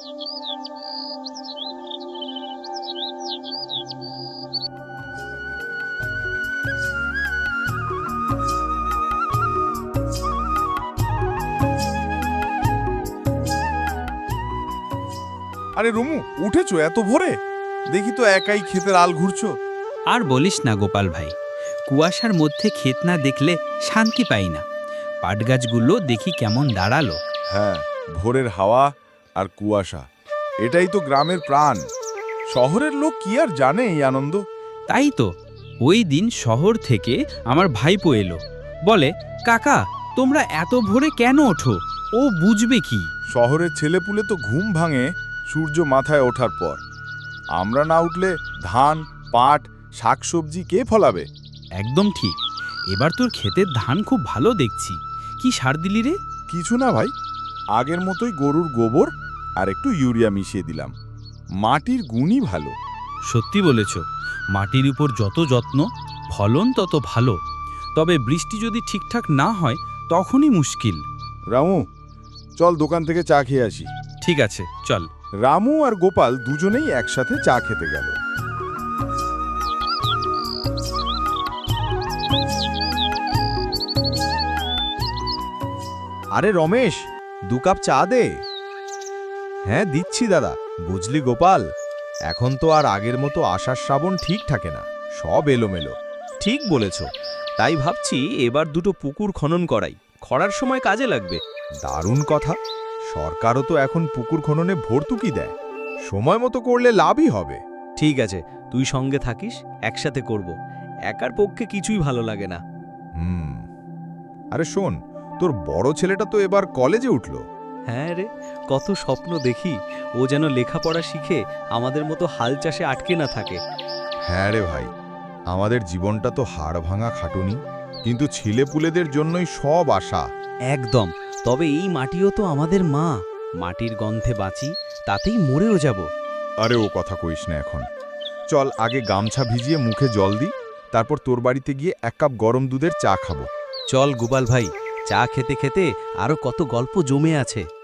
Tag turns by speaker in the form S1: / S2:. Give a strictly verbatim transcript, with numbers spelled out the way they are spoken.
S1: আরে রুমু, উঠেছো এত ভোরে? দেখি তো একাই ক্ষেতের আল ঘুরছো।
S2: আর বলিস না গোপাল ভাই, কুয়াশার মধ্যে ক্ষেত না দেখলে শান্তি পাই না। পাটগাছগুলো দেখি কেমন দাঁড়ালো।
S1: হ্যাঁ, ভোরের হাওয়া আর কুয়াশা, এটাই তো গ্রামের প্রাণ। শহরের লোক কি আর জানে এই আনন্দ।
S2: তাই তো ওই দিন শহর থেকে আমার ভাইপো এলো, বলে কাকা তোমরা এত ভোরে কেন ওঠো? ও বুঝবে কি?
S1: শহরের ছেলেপুলে তো ঘুম ভাঙে সূর্য মাথায় ওঠার পর। আমরা না উঠলে ধান, পাট, শাকসবজি কে ফলাবে?
S2: একদম ঠিক। এবার তোর ক্ষেতের ধান খুব ভালো দেখছি। কি সার দিলি রে?
S1: কিছু না ভাই, আগের মতোই গরুর গোবর আর একটু ইউরিয়া মিশিয়ে দিলাম। মাটির গুণই ভালো।
S2: সত্যি বলেছ, মাটির উপর যত যত্ন, ফলন তত ভালো। তবে বৃষ্টি যদি ঠিকঠাক না হয় তখনই মুশকিল।
S1: রামু, চল দোকান থেকে চা খেয়ে আসি।
S2: ঠিক আছে, চল।
S1: রামু আর গোপাল দুজনেই একসাথে চা খেতে গেল।
S3: আরে রমেশ, দু কাপ চা দে। হ্যাঁ দিচ্ছি দাদা। বুঝলি গোপাল, এখন তো আর আগের মতো আষাঢ় শ্রাবণ ঠিক থাকে না, সব এলোমেলো।
S4: ঠিক বলেছ, তাই ভাবছি এবার দুটো পুকুর খনন করাই, খরার সময় কাজে লাগবে।
S3: দারুণ কথা। সরকারও তো এখন পুকুর খননে ভর্তুকি দেয়, সময় মতো করলে লাভই হবে।
S4: ঠিক আছে, তুই সঙ্গে থাকিস, একসাথে করব। একার পক্ষে কিছুই ভালো লাগে না।
S3: হুম। আরে শোন, তোর বড় ছেলেটা তো এবার কলেজে উঠল।
S4: হ্যাঁ রে, কত স্বপ্ন দেখি ও যেন লেখাপড়া শিখে আমাদের মতো হাল চাষে আটকে না থাকে।
S3: হ্যাঁ রে ভাই, আমাদের জীবনটা তো হাড় ভাঙা খাটুনি, কিন্তু ছেলেপুলেদের জন্যই সব আশা।
S4: একদম। তবে এই মাটিও তো আমাদের মা। মাটির গন্ধে বাঁচি, তাতেই মরেও যাব।
S3: আরে ও কথা কইস না এখন। চল আগে গামছা ভিজিয়ে মুখে জল দিই, তারপর তোর বাড়িতে গিয়ে এক কাপ গরম দুধের চা খাবো।
S4: চল গোপাল ভাই, চা খেতে খেতে আরো কত গল্প জমে আছে।